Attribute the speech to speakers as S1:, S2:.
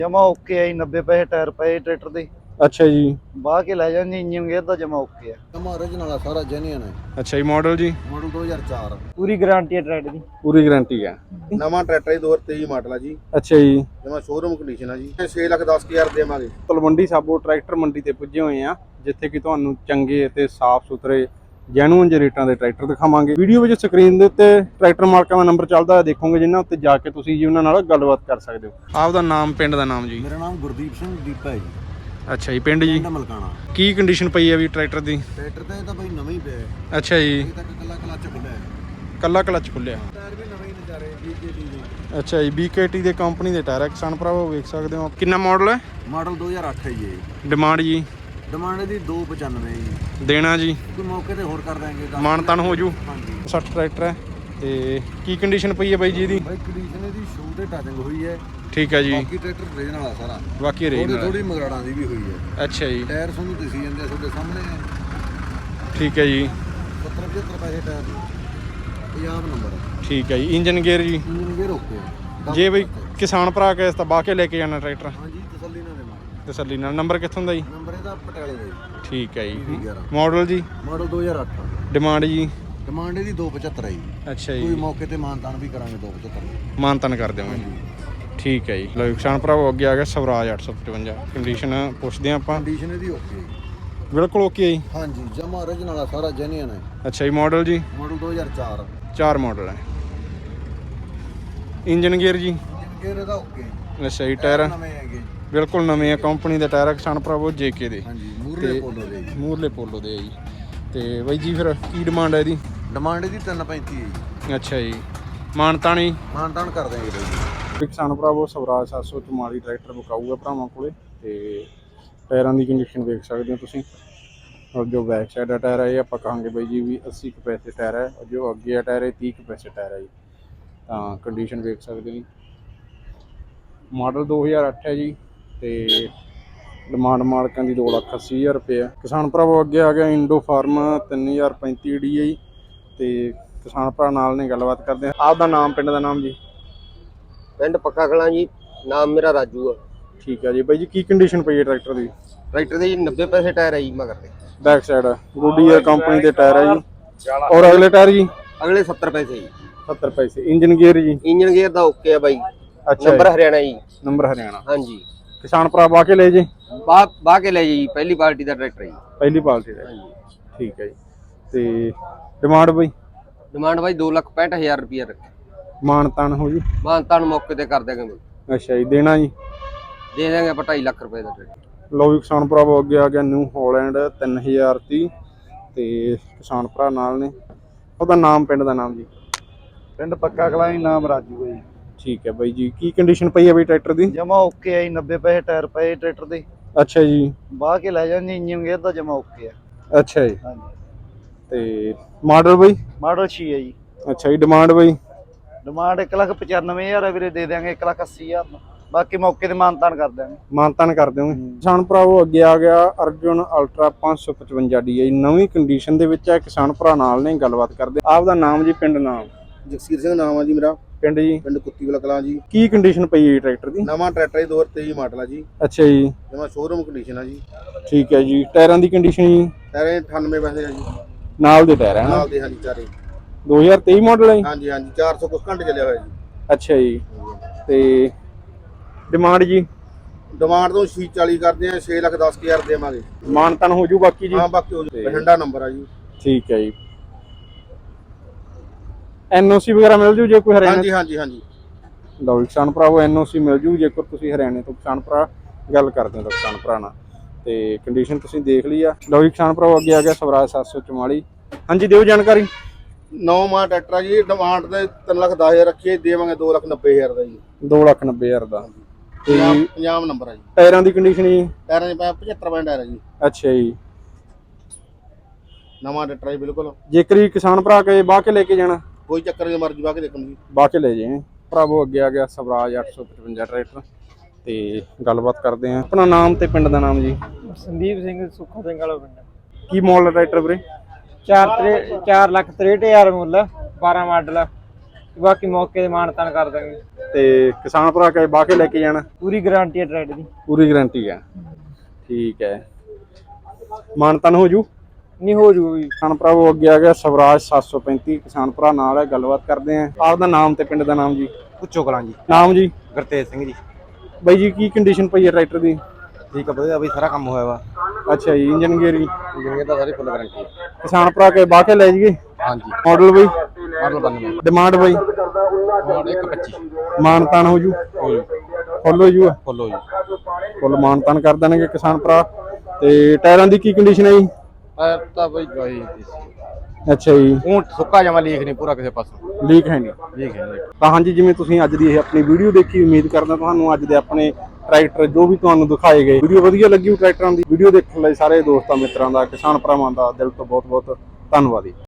S1: ਜਮਾ ਓਕੇ ਆ ਜੀ। 90 ਪੈਸੇ ਟਾਇਰ ਪਏ ਟਰੈਕਟਰ ਦੇ।
S2: ਅੱਛਾ ਜੀ।
S1: ਬਾਹ ਕੇ ਲੈ ਜਾਂਦੇ, ਇੰਜਨ ਗੇਅਰ ਦਾ ਜਮਾ ਓਕੇ ਆ।
S3: ਜਮਾ origignal ਆ, ਸਾਰਾ ਜੈਨੂਇਨ ਹੈ।
S2: ਅੱਛਾ ਜੀ। ਮਾਡਲ ਜੀ?
S3: ਮਾਡਲ 2004।
S1: ਪੂਰੀ ਗਾਰੰਟੀ ਹੈ ਟਰੈਕਟਰ ਦੀ।
S2: ਪੂਰੀ ਗਾਰੰਟੀ ਹੈ।
S3: ਨਵਾਂ ਟਰੈਕਟਰ 2023 ਮਾਡਲ ਆ ਜੀ।
S2: ਅੱਛਾ ਜੀ।
S3: ਜਮਾ ਸ਼ੋਰੂਮ ਕੰਡੀਸ਼ਨ ਆ ਜੀ। 6,10,000 ਦੇਵਾਂਗੇ।
S2: ਤਲਵੰਡੀ ਸਾਬੋ ਟਰੈਕਟਰ ਮੰਡੀ ਤੇ ਪੁੱਜੇ ਹੋਏ ਆ, ਜਿੱਥੇ ਕਿ ਤੁਹਾਨੂੰ ਚੰਗੇ ਅਤੇ ਸਾਫ਼ ਸੁਥਰੇ ਜੈਨੂਇਨ ਜਿਹੇ ਰੇਟਾਂ ਦੇ ਟਰੈਕਟਰ ਦਿਖਾਵਾਂਗੇ। ਵੀਡੀਓ ਵਿੱਚ ਸਕਰੀਨ ਦੇ ਉੱਤੇ ਟਰੈਕਟਰ ਮਾਲਕਾਂ ਦਾ ਨੰਬਰ ਚੱਲਦਾ ਹੈ, ਦੇਖੋਗੇ ਜਿਨ੍ਹਾਂ ਉੱਤੇ ਜਾ ਕੇ ਤੁਸੀਂ ਜੀ ਉਹਨਾਂ ਨਾਲ ਗੱਲਬਾਤ ਕਰ ਸਕਦੇ ਹੋ। ਆਪ ਦਾ ਨਾਮ, ਪਿੰਡ ਦਾ ਨਾਮ ਜੀ?
S3: ਮੇਰਾ ਨਾਮ ਗੁਰਦੀਪ ਸਿੰਘ ਦੀਪਾ ਹੈ ਜੀ।
S2: ਅੱਛਾ ਜੀ। ਪਿੰਡ ਜੀ?
S3: ਮਲਕਾਣਾ।
S2: ਕੀ ਕੰਡੀਸ਼ਨ ਪਈ ਹੈ ਵੀ ਟਰੈਕਟਰ ਦੀ?
S3: ਟਰੈਕਟਰ ਤਾਂ ਇਹ ਤਾਂ ਬਈ ਨਵਾਂ ਹੀ ਪਿਆ ਹੈ।
S2: ਅੱਛਾ ਜੀ।
S3: ਇਹ ਤਾਂ ਕੱਲਾ ਕਲੱਚ ਖੁੱਲਿਆ ਹੈ।
S2: ਕੱਲਾ ਕਲੱਚ ਖੁੱਲਿਆ।
S3: ਟਾਇਰ ਵੀ ਨਵੇਂ ਹੀ ਨਜ਼ਾਰੇ BKT ਦੇ।
S2: ਅੱਛਾ ਜੀ। BKT ਦੇ ਕੰਪਨੀ ਦੇ ਟਾਇਰ, ਕਿਸਾਨ ਭਰਾਵੋ ਵੇਖ ਸਕਦੇ ਹੋ। ਕਿੰਨਾ ਮਾਡਲ ਹੈ?
S3: ਮਾਡਲ 2008 ਹੈ ਜੀ ਇਹ।
S2: ਡਿਮਾਂਡ ਜੀ?
S3: ਡਿਮਾਂਡ ਇਹਦੀ 295 ਜੀ।
S2: ਦੇਣਾ ਜੀ?
S3: ਕੋਈ ਮੌਕੇ ਤੇ ਹੋਰ ਕਰ ਦਾਂਗੇ।
S2: ਮਾਨ ਤਾਨ ਹੋ ਜੂ।
S3: ਹਾਂਜੀ।
S2: 60 ਟਰੈਕਟਰ ਹੈ। ਤੇ ਕੀ ਕੰਡੀਸ਼ਨ ਪਈ ਹੈ ਬਾਈ ਜੀ ਇਹਦੀ?
S3: ਬਾਈ ਕੰਡੀਸ਼ਨ ਇਹਦੀ ਸ਼ੂ ਤੇ ਟੱਚਿੰਗ ਹੋਈ ਹੈ।
S2: ਠੀਕ ਹੈ ਜੀ।
S3: ਬਾਕੀ ਟਰੈਕਟਰ origignal ਆ ਸਾਰਾ।
S2: ਬਾਕੀ ਰੇਂਜ
S3: ਥੋੜੀ ਥੋੜੀ ਮਗਰਾੜਾਂ ਦੀ ਵੀ ਹੋਈ ਹੈ।
S2: ਅੱਛਾ ਜੀ।
S3: ਟਾਇਰ ਤੁਹਾਨੂੰ ਦਿਸੀ ਜਾਂਦੇ ਆ ਤੁਹਾਡੇ ਸਾਹਮਣੇ।
S2: ਠੀਕ ਹੈ ਜੀ।
S3: 70-75 ਪੈਸੇ ਟਾਇਰ ਦੀ। ਪੰਜਾਬ ਨੰਬਰ।
S2: ਠੀਕ ਹੈ ਜੀ। ਇੰਜਨ ਗੇਅਰ ਜੀ?
S3: Engine gear okay.
S2: ਜੇ ਬਈ ਕਿਸਾਨ ਭਰਾ ਕੇ ਤਾਂ ਬਾਹ ਕੇ ਲੈ ਕੇ ਜਾਣਾ ਟਰੈਕਟਰ?
S3: ਹਾਂਜੀ, ਤਸੱਲੀ ਨਾਲ ਦੇਵਾਂਗੇ।
S2: ਤਸੱਲੀ ਨਾਲ। ਨੰਬਰ ਕਿੱਥੋਂ ਦਾ ਜੀ?
S3: ਨੰਬਰ ਇਹਦਾ ਪਟਿਆਲੇ ਦਾ ਜੀ।
S2: ਠੀਕ ਹੈ ਜੀ।
S3: 11
S2: ਮਾਡਲ ਜੀ?
S3: ਮਾਡਲ 2008।
S2: ਡਿਮਾਂਡ ਜੀ?
S3: ਡਿਮਾਂਡ ਇਹਦੀ 275 ਹੈ ਜੀ।
S2: ਅੱਛਾ
S3: ਕੋਈ
S2: ਜੀ।
S3: ਮੌਕੇ ਤੇ ਮਾਨਤਾਨ ਵੀ ਕਰਾਂਗੇ 275।
S2: ਮਾਨਤਨ ਕਰ ਦੇਵਾਂਗੇ। ਠੀਕ ਹੈ ਜੀ। ਲਓ ਕਿਸਾਨ ਭਰਾਵੋ, ਅੱਗੇ ਆ ਗਿਆ ਸਵਰਾਜ 855। ਕੰਡੀਸ਼ਨ ਪੁੱਛਦੇ ਹਾਂ ਆਪਾਂ।
S3: ਕੰਡੀਸ਼ਨ ਇਹਦੀ ਓਕੇ।
S2: ਬਿਲਕੁਲ ਓਕੇ ਹੈ ਜੀ।
S3: ਹਾਂਜੀ, ਜਮਾ origignal ਆ, ਸਾਰਾ ਜੈਨੂਇਨ ਹੈ।
S2: ਅੱਛਾ ਜੀ। ਮਾਡਲ ਜੀ?
S3: ਮਾਡਲ 2004।
S2: 4 ਮਾਡਲ ਹੈ। ਇੰਜਨ ਗੇਅਰ ਜੀ?
S3: ਇੰਜਨ ਗੇਅਰ ਇਹਦਾ ਓਕੇ।
S2: ਅੱਛਾ ਜੀ। ਟਾਇਰ
S3: ਨਵੇਂ ਹੈਗੇ ਜੀ।
S2: ਬਿਲਕੁਲ ਨਵੇਂ ਆ, ਕੰਪਨੀ ਦੇ ਟਾਇਰ, ਕਿਸਾਨ ਭਰਾਵੋ JK ਦੇ।
S3: ਹਾਂਜੀ, ਮੂਰਲੇ ਪੋਲੋ ਦੇ ਜੀ।
S2: ਮੂਰਲੇ ਪੋਲੋ ਦੇ ਆ ਜੀ। ਤੇ ਬਾਈ ਜੀ ਫਿਰ ਕੀ ਡਿਮਾਂਡ ਹੈ ਇਹਦੀ?
S3: ਡਿਮਾਂਡ ਇਹਦੀ 335 ਹੈ ਜੀ।
S2: ਅੱਛਾ ਜੀ। ਮਾਨਤਾਨੀ?
S3: ਮਾਨਤਾਨ ਕਰ ਦਾਂਗੇ ਬਾਈ ਜੀ।
S2: ਕਿਸਾਨ ਭਰਾਵੋ, ਸਵਰਾਜ 744 ਟਰੈਕਟਰ ਵਿਕਾਊਗਾ ਭਰਾਵਾਂ ਕੋਲੇ। ਤੇ ਟਾਇਰਾਂ ਦੀ ਕੰਡੀਸ਼ਨ ਵੇਖ ਸਕਦੇ ਹੋ ਤੁਸੀਂ। ਔਰ ਜੋ ਬੈਕ ਸਾਈਡ ਦਾ ਟਾਇਰ ਹੈ ਇਹ ਆਪਾਂ ਕਹਾਂਗੇ ਬਾਈ ਜੀ ਵੀ 80 ਕੁ ਪੈਸੇ ਟਾਇਰ ਹੈ। ਔਰ ਜੋ ਅੱਗੇ ਆ ਟਾਇਰ ਇਹ 30 ਕੁ ਪੈਸੇ ਟਾਇਰ ਹੈ ਜੀ। ਤਾਂ ਕੰਡੀਸ਼ਨ ਵੇਖ ਸਕਦੇ ਹੋ ਜੀ। ਮਾਡਲ 2008 ਹੈ ਜੀ। ਤੇ ਡਿਮਾਂਡ ਮਾਲਕਾਂ ਦੀ 2,80,000 ਰੁਪਏ। ਕਿਸਾਨ ਭਰਾਵੋ, ਅੱਗੇ ਆ ਗਿਆ ਇੰਡੋ ਫਾਰਮ 3035 DI। ਤੇ ਕਿਸਾਨ ਭਰਾ ਨਾਲ ਨੇ ਗੱਲਬਾਤ ਕਰਦੇ ਆ। ਆਪ ਦਾ ਨਾਮ, ਪਿੰਡ ਦਾ ਨਾਮ ਜੀ?
S4: ਪਿੰਡ ਪੱਕਾ ਕਲਾਂ ਜੀ। ਨਾਮ ਮੇਰਾ ਰਾਜੂ ਆ।
S2: ਠੀਕ ਹੈ ਜੀ। ਬਾਈ ਜੀ ਕੀ ਕੰਡੀਸ਼ਨ ਪਈ ਹੈ ਟਰੈਕਟਰ ਦੀ?
S4: ਟਰੈਕਟਰ ਦੇ ਜੀ 90 ਪੈਸੇ ਟਾਇਰ ਹੈ ਜੀ ਮਗਰ ਦੇ।
S2: ਬੈਕ ਸਾਈਡ ਗੁੱਡੀਅਰ ਕੰਪਨੀ ਦੇ ਟਾਇਰ ਹੈ ਜੀ। ਔਰ ਅਗਲੇ ਟਾਇਰ ਜੀ?
S4: ਅਗਲੇ 70 ਪੈਸੇ ਜੀ।
S2: 70 ਪੈਸੇ। ਇੰਜਨ ਗੇਅਰ ਜੀ?
S4: ਇੰਜਨ ਗੇਅਰ ਦਾ ਓਕੇ ਆ ਬਾਈ।
S2: ਅੱਛਾ।
S4: ਨੰਬਰ ਹਰਿਆਣਾ ਜੀ।
S2: ਨੰਬਰ ਹਰਿਆਣਾ।
S4: ਹਾਂਜੀ।
S2: ਕਿਸਾਨ ਭਰਾ ਬਾਹ ਕੇ ਲੈ ਜੇ?
S4: ਬਾਹ ਕੇ ਲੈ ਜੀ। ਪਹਿਲੀ ਪਾਰਟੀ ਦਾ ਟਰੈਕਟਰ ਜੀ।
S2: ਪਹਿਲੀ ਪਾਲਟੀ ਦਾ। ਠੀਕ ਹੈ ਜੀ। ਤੇ ਡਿਮਾਂਡ ਬਾਈ?
S4: ਡਿਮਾਂਡ ਬਾਈ 2,65,000 ਰੁਪਏ ਰੱਖੇ।
S2: ਮਾਨਤਾਨ ਹੋ ਜੀ?
S4: ਮਾਨਤਾਨ ਮੌਕੇ ਤੇ ਕਰ ਦੇਗੇ ਬਾਈ।
S2: ਅੱਛਾ ਜੀ। ਦੇਣਾ ਜੀ?
S4: ਦੇ ਦੇਂਗੇ ਆਪਾਂ 2.5 ਲੱਖ ਰੁਪਏ ਦਾ ਟਰੈਕਟਰ।
S2: ਲਓ ਵੀ ਕਿਸਾਨ ਭਰਾਵੋ, ਅੱਗੇ ਆ ਗਿਆ ਨਿਊ ਹਾਲੈਂਡ 3030। ਤੇ ਕਿਸਾਨ ਭਰਾ ਨਾਲ ਨੇ। ਉਹਦਾ ਨਾਮ, ਪਿੰਡ ਦਾ ਨਾਮ ਜੀ?
S1: ਪਿੰਡ ਪੱਕਾ ਕਲਾਂ, ਨਾਮ ਰਾਜੂ ਹੈ ਜੀ।
S2: ਠੀਕ ਹੈ ਬਾਈ ਜੀ। ਕੀ ਕੰਡੀਸ਼ਨ ਪਈ ਹੈ ਬਾਈ ਟਰੈਕਟਰ ਦੀ?
S1: ਜਮਾ ਓਕੇ ਆ ਜੀ। 90 ਪੈਸੇ ਟਾਇਰ ਪਏ ਟਰੈਕਟਰ ਦੇ।
S2: ਅੱਛਾ ਜੀ।
S1: ਬਾਹ ਕੇ ਲੈ ਜਾਂਦੇ, ਇੰਜਨ ਗੇਅਰ ਦਾ ਜਮਾ ਓਕੇ ਆ।
S2: ਅੱਛਾ ਜੀ।
S1: ਹਾਂਜੀ।
S2: ਤੇ ਮਾਡਲ ਬਾਈ?
S1: ਮਾਡਲ 6 ਹੈ ਜੀ।
S2: ਅੱਛਾ ਜੀ। ਡਿਮਾਂਡ ਬਾਈ?
S1: ਡਿਮਾਂਡ 1,95,000 ਹੈ ਵੀਰੇ। ਦੇ ਦਿਆਂਗੇ 1,80,000 ਬਾਕੀ ਮੌਕੇ ਤੇ ਮਾਨਤਾਨ ਕਰ ਦਿਆਂਗੇ।
S2: ਮਾਨਤਾਨ ਕਰ ਦਿਓਗੇ। ਕਿਸਾਨ ਭਰਾਵੋ, ਅੱਗੇ ਆ ਗਿਆ ਅਰਜੁਨ ਅਲਟਰਾ 555 DI। ਨਵੀਂ ਕੰਡੀਸ਼ਨ ਦੇ ਵਿੱਚ ਹੈ। ਕਿਸਾਨ ਭਰਾ ਨਾਲ ਨੇ ਗੱਲਬਾਤ ਕਰਦੇ। ਆਪ ਦਾ ਨਾਮ ਜੀ, ਪਿੰਡ ਨਾਮ?
S3: ਜਗਸੀਰ ਸਿੰਘ ਨਾਮ ਆ ਜੀ ਮੇਰਾ।
S2: ਪਿੰਡ ਜੀ?
S3: ਪਿੰਡ ਕੁੱਤੀਵਾਲਾ ਕਲਾਂ ਜੀ।
S2: ਕੀ ਕੰਡੀਸ਼ਨ ਪਈ ਹੈ ਟਰੈਕਟਰ ਦੀ?
S3: ਨਵਾਂ ਟਰੈਕਟਰ 2023 ਮਾਡਲ ਆ ਜੀ।
S2: ਅੱਛਾ ਜੀ।
S3: ਜਮਾ ਸ਼ੋਰੂਮ ਕੰਡੀਸ਼ਨ ਆ ਜੀ।
S2: ਠੀਕ ਹੈ ਜੀ। ਟਾਇਰਾਂ ਦੀ ਕੰਡੀਸ਼ਨ ਜੀ?
S3: ਟਾਇਰ 98 ਪੈਸੇ ਆ ਜੀ।
S2: ਨਾਲ ਦੇ ਟਾਇਰ ਹੈ ਨਾ?
S3: ਨਾਲ ਦੇ ਹਾਂਜੀ ਚਾਰੇ।
S2: 2023 ਮਾਡਲ ਹੈ ਜੀ?
S3: ਹਾਂਜੀ ਹਾਂਜੀ। 400 ਕੁਝ ਘੰਟੇ ਚੱਲਿਆ ਹੋਇਆ ਜੀ।
S2: ਅੱਛਾ ਜੀ। ਤੇ ਡਿਮਾਂਡ ਜੀ?
S3: ਡਿਮਾਂਡ ਤੋਂ 40 ਕਰਦੇ ਆ। 6,10,000 ਦੇਵਾਂਗੇ।
S2: ਮਾਨਤਾਨ ਹੋ ਜੂ ਬਾਕੀ ਜੀ?
S3: ਹਾਂ, ਬਾਕੀ ਹੋ ਜੂ। ਬਠਿੰਡਾ ਨੰਬਰ ਆ ਜੀ।
S2: ਠੀਕ ਹੈ ਜੀ। NOC ਵਗੈਰਾ ਮਿਲ ਜੂ ਜੇ ਕੋਈ ਹਰਿਆਣਾ?
S3: ਹਾਂਜੀ ਹਾਂਜੀ ਹਾਂਜੀ।
S2: ਲਓ ਕਿਸਾਨ ਭਰਾਵੋ, NOC ਮਿਲ ਜੂ ਜੇਕਰ ਤੁਸੀਂ ਹਰਿਆਣੇ ਤੋਂ ਕਿਸਾਨ ਭਰਾ ਗੱਲ ਕਰਦੇ ਹੋ ਤਾਂ ਕਿਸਾਨ ਭਰਾ ਨਾਲ। ਤੇ ਕੰਡੀਸ਼ਨ ਤੁਸੀਂ ਦੇਖ ਲਈ ਆ। ਲਓ ਕਿਸਾਨ ਭਰਾਵੋ, ਅੱਗੇ ਆ ਗਿਆ ਸਵਰਾਜ 744। ਹਾਂਜੀ, ਦਿਓ ਜਾਣਕਾਰੀ।
S3: 9 ਮਾਹ ਟਰੈਕਟਰ ਆ ਜੀ। ਡਿਮਾਂਡ ਤੇ 3,10,000 ਰੱਖੀਏ। ਦੇਵਾਂਗੇ 2,90,000 ਦਾ ਜੀ।
S2: 2,90,000 ਦਾ। ਤੇ
S3: ਪੰਜਾਬ ਨੰਬਰ ਆ ਜੀ।
S2: ਟਾਇਰਾਂ ਦੀ ਕੰਡੀਸ਼ਨ ਜੀ?
S3: ਟਾਇਰਾਂ ਦੇ 75 ਪੈਸੇ ਟਾਇਰ ਆ ਜੀ।
S2: ਅੱਛਾ ਜੀ।
S3: ਨਵਾਂ ਟਰੈਕਟਰ ਹੈ ਬਿਲਕੁਲ।
S2: ਜੇਕਰ ਹੀ ਕਿਸਾਨ ਭਰਾ ਕੇ ਬਾਹ ਕੇ ਲੈ ਕੇ ਜਾਣਾ?
S3: ਕੋਈ ਚੱਕਰ ਨਹੀਂ, ਮਰਜ਼ੀ ਬਾਹ ਕੇ ਦੇਖਣ ਜੀ।
S2: ਬਾਹ ਕੇ ਲੈ ਜਾਏ ਭਰਾਵੋ। ਅੱਗੇ ਆ ਗਿਆ ਸਵਰਾਜ 855 ਟਰੈਕਟਰ। ਤੇ ਗੱਲਬਾਤ ਕਰਦੇ ਆ। ਆਪਣਾ ਨਾਮ ਤੇ ਪਿੰਡ ਦਾ ਨਾਮ ਜੀ?
S1: ਸੰਦੀਪ ਸਿੰਘ, ਸੁੱਖਾ ਸਿੰਘ ਵਾਲਾ ਪਿੰਡ।
S2: ਕੀ ਮਾਡਲ ਟਰੈਕਟਰ ਵੀਰੇ?
S1: 4,63,000 ਮੁੱਲ। 12 ਮਾਡਲ। ਬਾਕੀ ਮੌਕੇ ਤੇ ਮਾਨਤਾਨ ਕਰ ਦਾਂਗੇ।
S2: ਤੇ ਕਿਸਾਨ ਭਰਾ ਕੇ ਬਾਹ ਕੇ ਲੈ ਕੇ ਜਾਣਾ?
S1: ਪੂਰੀ ਗਾਰੰਟੀ ਹੈ ਟਰੈਕਟਰ ਦੀ।
S2: ਪੂਰੀ ਗਾਰੰਟੀ ਹੈ, ਠੀਕ ਹੈ। ਮਾਨਤਨ ਹੋ ਜੂ?
S1: ਨਹੀਂ ਹੋ ਜੂਗਾ ਜੀ।
S2: ਕਿਸਾਨ ਭਰਾਵੋ ਅੱਗੇ ਆ ਗਿਆ ਸਵਰਾਜ 735 ਕਿਸਾਨ ਭਰਾ ਨਾਲ ਹੈ, ਗੱਲਬਾਤ ਕਰਦੇ ਆਂ। ਆਪਦਾ ਨਾਮ ਤੇ ਪਿੰਡ ਦਾ ਨਾਮ ਜੀ?
S5: ਪੁੱਛੋ ਕਲਾਂ ਜੀ।
S2: ਨਾਮ ਜੀ?
S5: ਗੁਰਤੇਜ ਸਿੰਘ ਜੀ।
S2: ਬਾਈ ਜੀ ਕੀ ਕੰਡੀਸ਼ਨ ਪਈ ਹੈ ਟਰੈਕਟਰ ਦੀ?
S5: ਠੀਕ ਆ ਵਧੀਆ ਬਈ, ਸਾਰਾ ਕੰਮ ਹੋਇਆ ਵਾ।
S2: ਅੱਛਾ ਜੀ, ਇੰਜਨ ਗੇਅਰ
S5: ਇੰਜਨ ਦਾ ਸਾਰੀ ਫੁੱਲ ਗਾਰੰਟੀ ਹੈ।
S2: ਕਿਸਾਨ ਭਰਾ ਕੇ ਬਾਹ ਕੇ ਲੈ ਜਾਈਏ?
S5: ਹਾਂਜੀ।
S2: ਮਾਡਲ ਬਈ?
S5: ਮਾਡਲ 92।
S2: ਡਿਮਾਂਡ ਬਈ?
S5: ਮਾਡਲ 125।
S2: ਮਾਨਤਾਨ ਹੋ ਜੂ? ਫੁੱਲ ਹੋ ਜੂ?
S5: ਫੁੱਲ ਹੋ ਜੀ।
S2: ਫੁੱਲ ਮਾਨਤਾਨ ਕਰ ਦੇਣਗੇ ਕਿਸਾਨ ਭਰਾ। ਤੇ ਟਾਇਰਾਂ ਦੀ ਕੀ ਕੰਡੀਸ਼ਨ ਹੈ ਜੀ?
S5: ਟਾਇਰ ਤਾਂ ਬਈ ਗਾਈ
S2: ਅੱਛਾ ਜੀ,
S5: ਉਹ ਸੁੱਕਾ ਜਮਾ ਲੀਕ ਨਹੀਂ ਪੂਰਾ ਕਿਸੇ ਪਾਸੋਂ।
S2: ਲੀਕ ਹੈ ਨਹੀਂ?
S5: ਲੀਕ ਹੈ ਨਹੀਂ।
S2: ਤਾਂ ਹਾਂਜੀ, ਜਿਵੇਂ ਤੁਸੀਂ ਅੱਜ ਦੀ ਇਹ ਆਪਣੀ ਵੀਡੀਓ ਦੇਖੀ, ਉਮੀਦ ਕਰਦਾ ਤੁਹਾਨੂੰ ਅੱਜ ਦੇ ਆਪਣੇ ਟਰੈਕਟਰ ਜੋ ਵੀ ਤੁਹਾਨੂੰ ਦਿਖਾਏ ਗਏ ਵੀਡੀਓ ਵਧੀਆ ਲੱਗੀ ਟਰੈਕਟਰਾਂ ਦੀ। ਵੀਡੀਓ ਦੇਖਣ ਲਈ ਸਾਰੇ ਦੋਸਤਾਂ ਮਿੱਤਰਾਂ ਦਾ, ਕਿਸਾਨ ਭਰਾਵਾਂ ਦਾ ਦਿਲ ਤੋਂ ਬਹੁਤ ਬਹੁਤ ਧੰਨਵਾਦ ਜੀ।